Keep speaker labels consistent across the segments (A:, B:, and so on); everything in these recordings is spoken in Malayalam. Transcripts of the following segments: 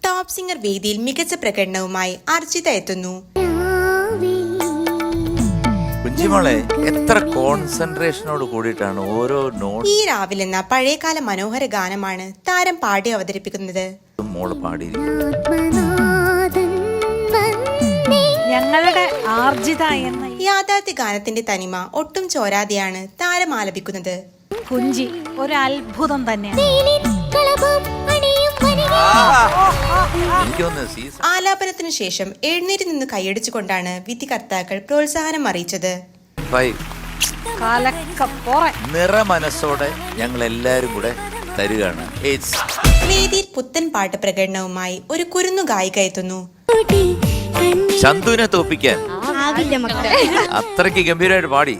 A: ടോപ്പ് സിംഗർ വേദിയിൽ മികച്ച പ്രകടനവുമായി അർച്ചിത എത്തുന്നു.
B: കുഞ്ചിമോളെ എത്ര കോൺസെൻട്രേഷനോട് കൂടിയിട്ടാണ് ഓരോ നോട്ട്.
A: ഈ രാവിലെ എന്ന പഴയകാല മനോഹര ഗാനമാണ് താരം പാടി അവതരിപ്പിക്കുന്നത്.
B: മോള് പാടിയിരിക്കും.
C: ഞങ്ങളുടെ ആർജിത എന്ന
A: യാഥാർത്ഥ്യ ഗാനത്തിന്റെ തനിമ ഒട്ടും ചോരാതെയാണ് താരം ആലപിക്കുന്നത്.
C: കുഞ്ചി ഒരു അത്ഭുതം തന്നെയാണ്.
A: ആലാപനത്തിനു ശേഷം എഴുന്നേറ്റ് നിന്ന് കൈയടിച്ചുകൊണ്ടാണ് വിധികർത്താക്കൾ പ്രോത്സാഹനം അറിയിച്ചത്.
B: നിറമനസ്സോടെ ഞങ്ങൾ എല്ലാരും കൂടെ തരുകയാണ്.
A: വേദിയിൽ പുത്തൻ പാട്ട് പ്രകടനവുമായി ഒരു കുരുന്നു ഗായിക എത്തുന്നു.
B: ചന്തുവിനെ തോപ്പിക്കാൻ അത്രയ്ക്ക് ഗംഭീരമായിട്ട് പാടി.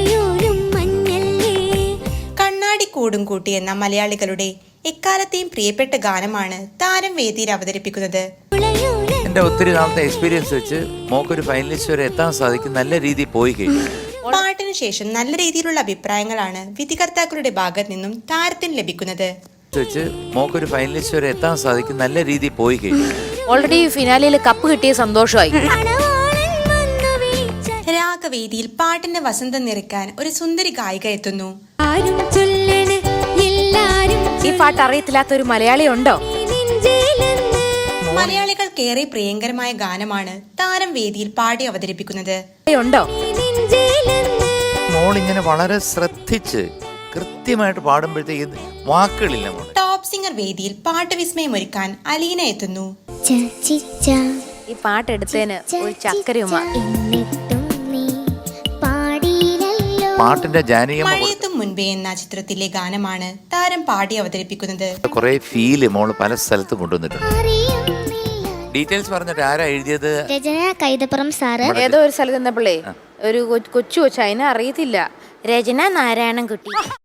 A: കണ്ണാടി കൂടും കൂട്ടി എന്ന മലയാളികളുടെ എക്കാലത്തെയും പ്രിയപ്പെട്ട ഗാനമാണ് താരം വേദിയിൽ അവതരിപ്പിക്കുന്നത്.
B: എന്റെ ഒത്തിരി നാളത്തെ എക്സ്പീരിയൻസ് വെച്ച് മോക്കൊരു ഫൈനലിസ്റ്റ് വരെ എത്താൻ സാധിക്കും. നല്ല രീതിയിൽ പോയി കഴിഞ്ഞു.
A: പാട്ടിനു ശേഷം നല്ല രീതിയിലുള്ള അഭിപ്രായങ്ങളാണ് വിധികർത്താക്കളുടെ ഭാഗത്ത് നിന്നും താരത്തിന് ലഭിക്കുന്നത്.
B: മോക്കൊരു ഫൈനലിസ്റ്റ് വരെ എത്താൻ സാധിക്കും. നല്ല രീതിയിൽ പോയി കഴിഞ്ഞു.
D: ഓൾറെഡി ഫിനാലിൽ കപ്പ് കിട്ടിയ സന്തോഷമായി.
A: രാഗവേദിയിൽ പാട്ടിന്റെ വസന്തം നിറയ്ക്കാൻ ഒരു സുന്ദരി ഗായിക എത്തുന്നു.
D: ഈ പാട്ട് അറിയത്തില്ലാത്ത ഒരു മലയാളി ഉണ്ടോ?
A: മലയാളികൾക്കേറെ പ്രിയങ്കരമായ ഗാനമാണ് താരം വേദിയിൽ പാടി അവതരിപ്പിക്കുന്നത്.
B: മോളിങ്ങനെ വളരെ ശ്രദ്ധിച്ച് കൃത്യമായിട്ട് പാടുമ്പോഴത്തേക്ക് വാക്കുകളില്ല.
A: ടോപ്പ് സിംഗർ വേദിയിൽ പാട്ട് വിസ്മയമൊരുക്കാൻ അലീന എത്തുന്നു.
D: ഈ പാട്ടെടുത്തതിന് ഒരു ചക്കരയുമ.
B: പാട്ടിന്റെ
A: മഴയത്തും മുൻപേ എന്ന ചിത്രത്തിലെ ഗാനമാണ് താരം പാടി അവതരിപ്പിക്കുന്നത്.
B: കുറെ ഫീല് മോള് പല സ്ഥലത്ത് കൊണ്ടുവന്നിട്ടുണ്ട്. ഡീറ്റെയിൽസ് പറഞ്ഞിട്ട് ആരാ എഴുതിയത്?
E: രചന കൈതപ്പുറം സാറ്.
D: ഏതോ ഒരു സ്ഥലത്ത് നിന്നപ്പോഴേ ഒരു കൊച്ചു അതിനെ അറിയത്തില്ല. രചന നാരായണൻകുട്ടി.